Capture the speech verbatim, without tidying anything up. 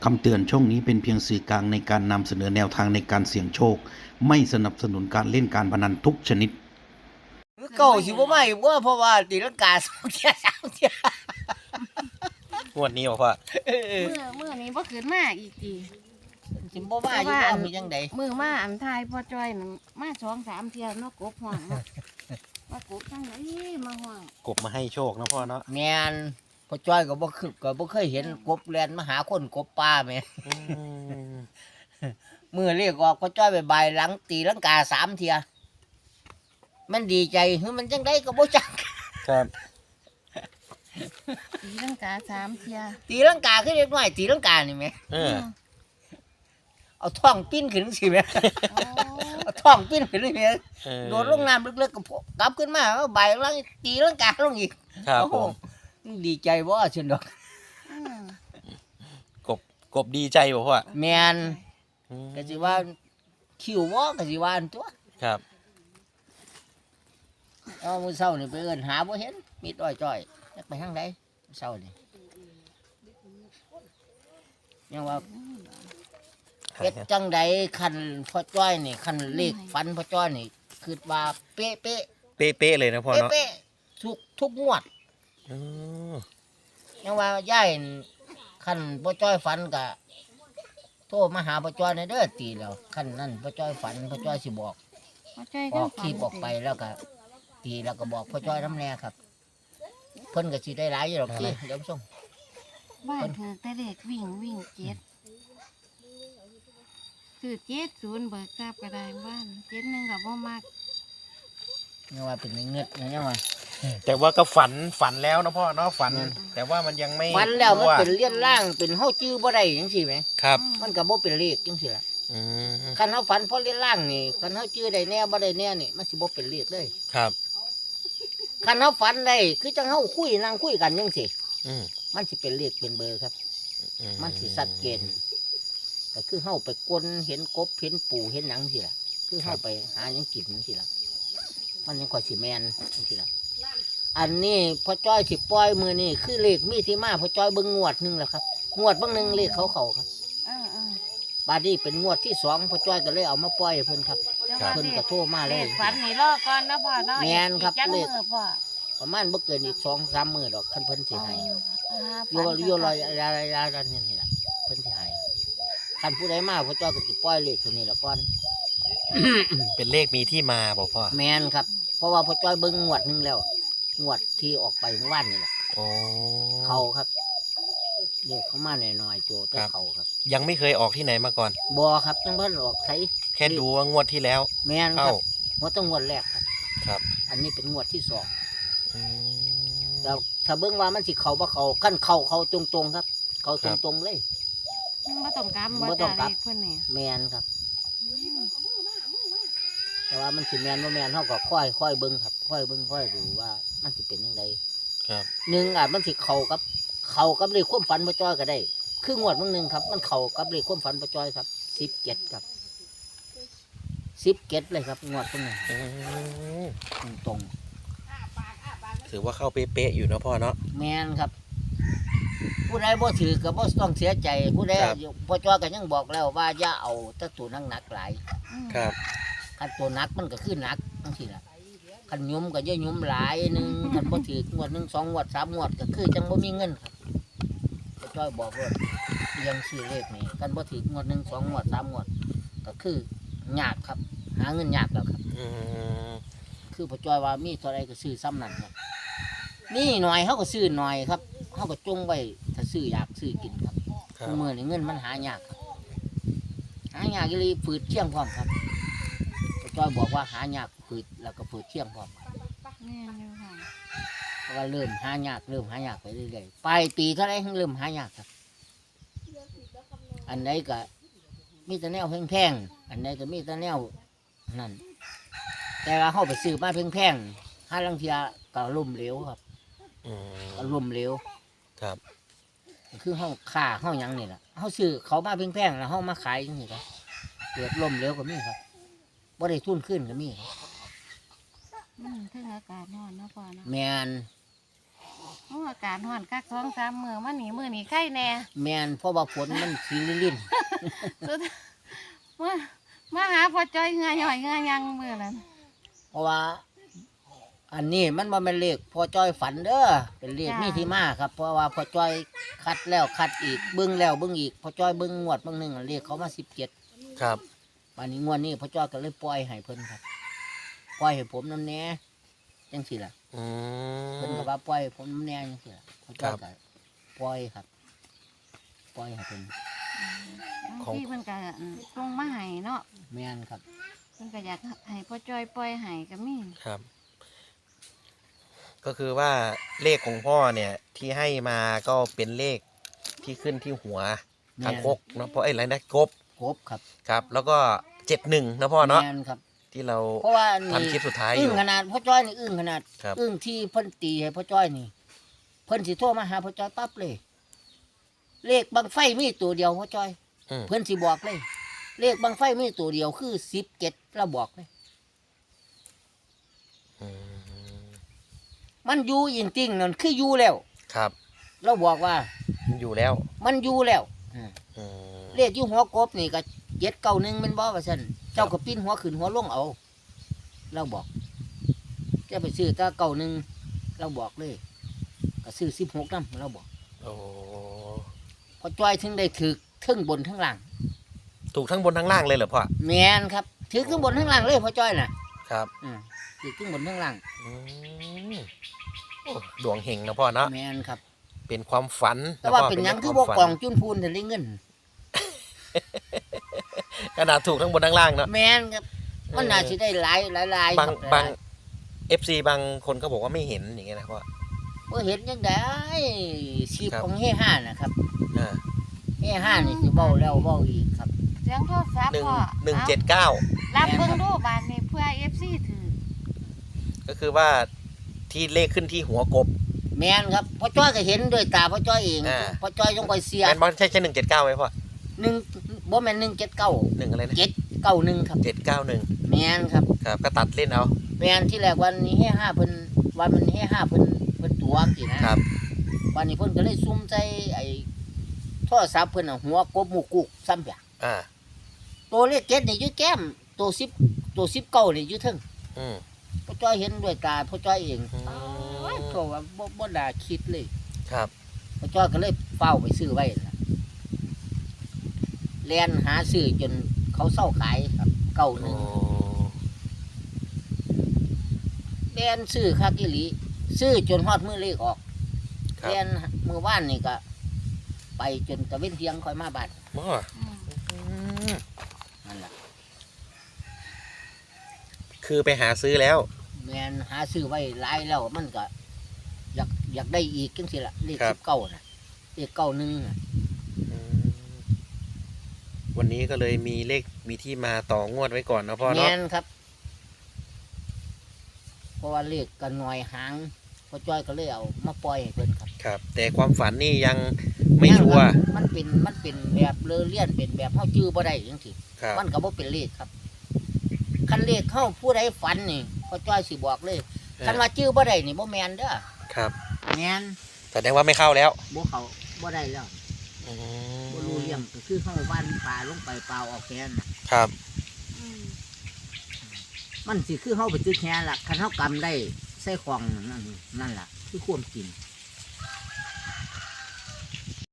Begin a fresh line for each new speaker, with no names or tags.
คำเตือนช่องนี้เป็นเพียงสื่อกลางในการนำเสนอแนวทางในการเสี่ยงโชคไม่สนับสนุนการเล่นการพนันทุกชนิด
เก่าสิบ่มาอีกว่าเพราะว่าตีลังกาสองเที่ยสามเที่ย
งวดนี้บอกว่า
เออ
เมื่อเมื่อนี้บ่ขึ้นมาอีกที
สิบ่มาอยู่บ่มีจังได๋
มือมาอันทายพ่อจ้อยนั่นมาสองสามเที่ยวเนาะกบห่วงเนาะมากบจังไดมาห่วง
กบมาให้โชคนะพ่อเนาะ
แม่นพ่อจ้อยก็บ่คือก็บ่เคยเห็นกบแล่นมาหาคนกบป่าแม่
อืม
มื้อเรียกออกพ่อจ้อยไปบายหลังตีลังกาสามเที่ยมันดีใจคือมันจังได๋ก็บ่จัก
ครับ
ตีลังกาสามเที่ย
ตีลังกาคือเด็กน้อยตีลังกานี่แม่
เออ
เอาท้องปิ้นขึ้นสิแม่
โอ้
เอาท้องปิ้นขึ้นนี่แม่
เออ
โดดลงน้ำลึกๆก็พกลับขึ้นมาเอาใบหลังตีลังกาลงอีก
ครับผม
โอ้โหดีใจบ่เช่นดอก
อืม
กบกบดีใจบอกว่า
แมน
อืม
ก็สิว่าคิวบ่ก็สิว่าอันตัว
ครับ
เอามื้อเช้านี่ไปเอิ้นหาบ่เห็นมีต้อยจ้อยจักไปทางใดมื้อเช้านี่ยังว่าเฮ็ดจังใดคันพ่อจ้อยนี่คันเลขฟันพ่อจ้อยนี่คิดว่าเป๊ะๆ
เป๊ะๆเลยนะพ่อเนาะ
เป๊ะๆทุกทุกงวด
อืม
ยังว่ายายคันพ่อจ้อยฝันก็โทรมาหาพ่อจ้อยในเด้อตีแล้วคันนั้นพ่อจ้อยฝันพ่อจ้อยสิบอก
พ่อจ้อย
อ
ก็
อกคลิปออกไปแล้วก็ตีแล้วก็บอกพ่อจ้อยน้ำแน่ครับ เพิ่นก็สิได้หลายอยู่หรอกที่เดี๋ยวส่ง
บ้านถือแต่เด็กวิ่งวิ่งเจ็ดคือเจ็ดศูนย์เบิกทราบก็ได้บ้านเจ็ดหนึงก็บ่มัก
ยังว่าเป็นเงือกยังว่า
แต่ว่าก็ฝันฝันแล้วนะพ่อเนาะฝัน แต่ว่ามันยังไม่
ฝันแล้วมัน
รู้า
เป็นเลี่ยนล่างเป็นเฮาจื้อบ่ได้จังซี่แหม
ครับ
มันก็บ่เป็นเลขจังซี่ล่ะ
อืม
คันเฮาฝันเพราะเลี่ยนล่างนี่คันเฮาจื้อได้แน่บ่ได้แน่นี่มันสิบ่เป็นเลขเลย
ครับ
คันเฮาฝันได้คือจังเฮาคุยนั่งคุยกันจังซี่
อืม
มันสิเป็นเลขเป็นเบอร์ครับ
อื
มันสิชัดเจนก็คือเฮาไปกลเห็นกบเห็นปูเห็นหยังสิล่ะ คือเฮาไปหาหยังกินสิล่ะ มันยังค่อยสิแมนสิล่ะ อันนี้พ่อจ้อยสิปล่อยมือนี่คือเลขมีที่มาพ่อจ้อยเบิ่งงวดหนึงแล้วครับงวดเบางหนึงเลขเขาเขาครับ
เออเออบ
าดนี้เป็นงวดที่สองพ่อจ้อยก็เลยเอามาปล่อยให้เพิ่นครับ
จ้าว่า
เพิ่น
เล
ก็
ข
โทรมาเล
เลย ขฝันนี่รอก่อนนะพ่อเนาะ
แม่นครับ
อีกจัง
เลข
มือพ่อ
ประมาณบ่เกินอีกสองสามมื้อดอกคันเพิ่นสิให้
อ่า
โยโยลอยอะไรอะไรนี่ล่ะเพิ่นสิให้คันผู้ใดมาพ่อจ้อยก็สิปล่อยเลขตัวนี้ละก่อน
เป็นเลขมีที่มาบอกพ่อ
แมนครับ เพราะว่าพ่อจ้อยเบิ้งงวดหนึงแล้ว งวดที่ออกไปเมื่อวานนี่แหละ
โอ้
เขาครับเรียกเขามาหน่อยๆตัวแต่เขาครับ
ยังไม่เคยออกที่ไหนมาก่อน
บอครับจังเพิ่นออกใช้
แค่ดูว่างวดที่แล้ว
แมนค
เข้า
รับงวดต้องงวดแรกครับ
ครับ
อันนี้เป็นงวดที่สอง
อืม
แล้วถ้าเบิ้งว่ามันสิเขาบ่เขาขั้นเขาเขาตรงๆครับ เขา
ครั
ต
บ
รงๆเลย
บ่ต้องกำ
บ่ต้องกลับ
เลขเพิ่นนี่
แมนครับ แต่ว่ามันสิแมนว่าแมนเขาก็ค่อยค่อยเบิ้งครับ ค่อยเบิ้งค่อยดูว่ามันสิเป็นยังไง
ครับ
หนึ่งอ่ะมันสิเขากับ เขากับเลขความฝันพ่อจ้อยก็ได้ คืองวดมึงหนึ่งครับ มันเขากับเลขความฝันพ่อจ้อยครับสิบเจ็ดครับสิบเจ็ดเลยครับงวดตรงนี้
อืม
ตรง
ถือว่าเข้าเป๊ะๆอยู่นะพ่อเนาะ
ๆแมนครับ ผู้ใดบ่ถือก็บ่ต้องเสียใจ ผู้ใด
ครับ
พ่อจ้อยก็ยังบอกแล้วว่าอย่าเอาแตะตัวหนักๆหลาย
อืม
ครับ
คันตัวหนักมันก็คือหนักจังซี่ล่ะคันยุ่มก็อย่ายุ่มหลายหนึงคันบ่ถืองวดหนึงสองงวดสามงวดก็คือจังบ่มีเงินครับพ่อจ้อยบอกว่าเรียงชื่อเลขนี่คันบ่ถืองวดหนึงสองงวดสามงวดก็คือยากครับ หาเงินยากแล้วครับ
อืม
คือพ่อจ้อยว่ามีเท่าไรก็ซื้อซ้ำนั่นครับนี่หน่อยเขาก็ซื้อหน่อยครับเขาก็จงไว้ถ้าซื้ออยากซื้อกินครับ
ครับ
เมื่อนี่เงินมันหายากครับหายากเลยฝืดเที่ยงพร้อมครับพ่อจ้อยบอกว่าหายากฝืดแล้วก็ฝืดเที่ยงพร้อมครับ
แม่นอยู่ค่ะ
เพราะว่าเริ่มหายากเริ่มหายากไปเรื่อยๆปลายปีเท่าไรเริ่มหายากครับ อันใดก็มีแต่แนวแพงๆอันใดก็มีแต่แนวนั่นแต่ว่าเขาไปซื้อมาแพงๆห้าลังเทียก็ล่มเหลวครับ
อืม
ก็ล่มเหลว
ครับ
คือห้องค่าห้องยังนี่แหละเขาซื้อเขามาแพงๆแล้วเขามาขายอย่างนี้ครับเกิดล่มเหลวก็มีครับบ่ได้ทุนขึ้นก็มีครับ
อืมถึงอากาศร้อนเนาะพ่อเนาะ
แมน
โอ้อากาศร้อนคักสองสามมื้อมานี่มื้อนี้ไข้แน่
แม่นเพราะว่าฝนมันสีลิ่น
สุดมามาหาพ่อจ้อยเหงาหย่อยเหงายังมื้อนั้น
ๆเพราะว่า อันนี้มันบ่แม่นเลขพอจ้อยฝันเด้อเป็นเลขมีที่มาครับ เพราะว่าพอจ้อยคัดแล้วคัดอีกเบิ่งแล้วเบิ่งอีกพอจ้อยเบิ่งงวดเบิ่งหนึงเลขเขามาสิบเจ็ด
ครับ
วันนี้งวดนี้พอจ้อยก็เลยปล่อยให้เพิ่นครับปล่อยให้ผมนำแหน่จังซี่ล่ะ
อื
เพิ่น
ม
ก็ว่าปล่อยให้ผมนำแหน่จังซี่ล่ะพอจ้อย
ครั
ก็
บ
ปล่อยครับปล่อยให้เพิ่น
บาง
ของ
ทีเพิ่นก็ตรงมาให้เนาะ
แม่นครับ
เพิ่นก็อยากให้พ่อจ้อยปล่อยให้ก็มี
ครับ ก็คือว่าเลขของพ่อเนี่ย ที่ให้มาก็เป็นเลขที่ขึ้นที่หัว
แม่น
ทางคกเนาะเพราะไอ้ไรนะกบ
ครบครับ
ครับ แล้วก็เจ็ดหนึ่งนะพ่อเนาะ
แม่นครับ
ที่เรา
เพราะว่านี่
ทำคลิปสุดท้ายอ
อึ้ง
ยู่
ขนาดพ่อจ้อยนี่อึ้งขนาด
ครับ
อึ้งที่เพิ่นตีให้พ่อจ้อยนี่ เพิ่นสิโทรมาหาพ่อจ้อยปั๊บเลย เลขบังไฟมีตัวเดียวพ่อจ้อย
อืม
เพิ่นสิบอกเลย เลขบังไฟมีตัวเดียวคือสิบเจ็ดเราบอกเลย
อืม
มันอยู่จริงๆนั่นคืออยู่แล้ว
ครับ
เราบอกว่า
มันอยู่แล้ว
มันอยู่แล้วอ่า
อืม
เลขอยู่หัวกบนี่ก็เจ็ดเก้าหนึ่งเป็นบ่ว่าซั่นเจ้าก็ปิ้นหัวขึ้นหัวลงเอา เราบอกจะไปซื้อแตาเก้าหนึ่งเราบอกเลย ก็ซื้อสิบหกนำเราบอก
โอ้
พอจ้อยถึงได้ถือทั้งบนทั้งล่าง
ถูกทั้งบนทั้งล่างเลยเหรอพ่อ
แมนครับถือทั้งบนทั้งล่างเลยพอจ้อยน่ะ
ครับ
อืมถือทั้งบนทั้งล่าง
อืมโอ้ดวงเฮงนะพ่อเนาะ
แมนครับ
เป็นความฝัน
แต่ว่า
ะพ่
เป็นหยัง
รื่
คือ
ข
บ่
ฝัน
กองจุนพูนถึงได้เงิน
ขนาดถูกทั้งบนทั้งล่างเนาะ
แมนครับมันน่าสิได้หลายหลายหลาย
บาง
ครับ
บางเอฟซีบางคนก็บอกว่าไม่เห็นอย่างเงี้ยนะพ่อ
บ่เห็นจังได๋ชีพ
ครับ
ของเฮห้านะครับ
อ่า
เฮห้านี่สิเว้าแล้วเว้าอีกครับ
เสียงโทรศัพท์
หนึ่ง
พ่อ
หนึ่ง
อา
เจ็ดเก้า
รับเบิ่งดูบาดนี้เพื่อ เอฟ ซี ถือ
ก็คือว่าที่เลขขึ้นที่หัวกบ
แมนครับพ่อจ้อยก็เห็นด้วยตาพ่อจ้อยเอง
อ่า
พ่อจ้อยต้องคอยเสีย
แมนบอลใช่ใช่หนึ่งเจ็ดเก้าไหมพ่อ
หนึ่งบ่แม่นหนึ่งเจ็ดเก้า
หนึ่งอะไรนะ
เจ็ดเก้าหนึ่งครับ
เจ็ดเก้าหนึ่ง
แมนครับ
ครับก็ตัดเล่นเอา
แมนที่แรกวันนี้เฮห้าเพิ่นวันมันเฮห้าเพิ่นเพิ่นตัวสินะครับ วันนี้เพิ่นก็เลยซุ่มใจไอ้โทรศัพท์เพิ่นน่ะหัวกบหมูกุกซ้ำเปีย
อ่า
ตัวเลขเจ็ดนี่อยู่แก้มตัวสิบตัวสิบเก้านี่อยู่เทึง
อืม
พ่อจ้อยเห็นด้วยตาพ่อจ้อยเอง
อืม
โอ้ยก็ว่าบ่บ่น่าคิดเลย
ครับ
พ่อจ้อยก็เลยเฝ้าไปซื้อไว้ล่ะแล่นหาซื้อจนเขาเศร้าขายครับเก้าห
โอ้
นึ่งแล่นซื้อคักอีหลีซื้อจนฮอดมื้อเลขออก
ครับ
แล่นมื้อวานนี่ก็ไปจนตะเว้นเที่ยงค่อยมาบ้าน
พ่อ
อืม
อืม
นั่นล่ะ
คือไปหาซื้อแล้ว
แม่นหาซื้อไว้หลายแล้วมันก็อยากอยากได้อีกจังซี่ล่ะเลข
ครับ
สิบเก้าน่ะเลขเก้าหนึ่งน่ะ
อืมวันนี้ก็เลยมีเลขมีที่มาต่องวดไว้ก่อนนะพ่อ
แม่
เนาะ
นครับ เพราะว่าเลขก็น้อยหางพ่อจ้อยก็เลยเอามาปล่อยให้เพิ่นครับ
ครับ แต่ความฝันนี่ยังไม่ชัวร์
มันเป็นมันเป็นแบบเลอเลี่ยนเป็นแบบเฮาจื้อบ่ได้จังซี่
ครับ
มันก็บ่เป็นเลขครับคันเลขเฮาผู้ใดฝันนี่พ่อจ้อยสิบอกเลยคันว่าจื้อบ่ได้นี่บ่แม่นเด้อ
ครับ
แม่น
แสดงว่าไม่เข้าแล้ว
บ่เข้าบ่ได้แล้ว
อืม
บ่รู้เรื่องก็คือเฮาว่านปลาลงไปเปล่าออกแค่นั้นน่ะ
ครับ
อืม
มันสิคือเฮาไปตื้อแค่ล่ะคันเฮากำได้ใส่ของนั่นนั่นล่ะคือความจริง